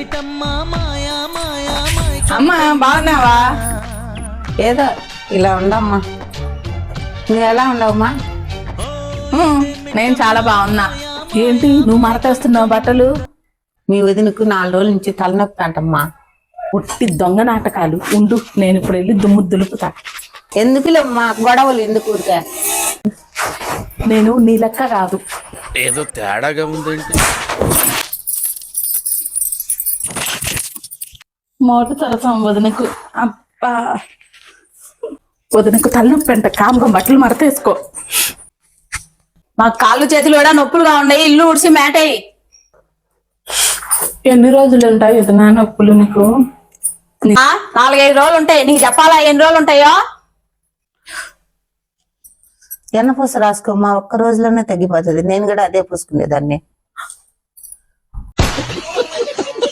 అమ్మా బాగున్నావా? ఏదో ఇలా ఉండమ్మా. నువ్వు ఎలా ఉండవమ్మా? నేను చాలా బాగున్నా. ఏంటి నువ్వు మడతేస్తున్నావు బట్టలు? మీ వదినకు 4 రోజుల నుంచి తలనొప్పి అంటమ్మా. ఉట్టి దొంగ నాటకాలు. ఉండు, నేను ఇప్పుడు వెళ్ళి దుమ్ము దులుపుతా. ఎందుకులేమ్మా గొడవలు, ఎందుకు ఊరికే? నేను నీ లెక్క కాదు. ఏదో తేడాగా ఉందేంటి? మోటు తరసం వదినకు. అబ్బా, వదినకు తలనొప్పి అంట. కాముగా బట్టలు మడతేసుకో. మా కాళ్ళు చేతులు కూడా నొప్పులుగా ఉన్నాయి. ఇల్లు ఉడిసి మేటయి. ఎన్ని రోజులు ఉంటాయి వదినా నొప్పులు నీకు? 4-5 రోజులు ఉంటాయి. నీకు చెప్పాలా ఎన్ని రోజులు ఉంటాయో? ఎన్నపూస రాసుకోమ్మా, ఒక్క రోజులోనే తగ్గిపోతుంది. నేను కూడా అదే పూసుకునేదాన్ని.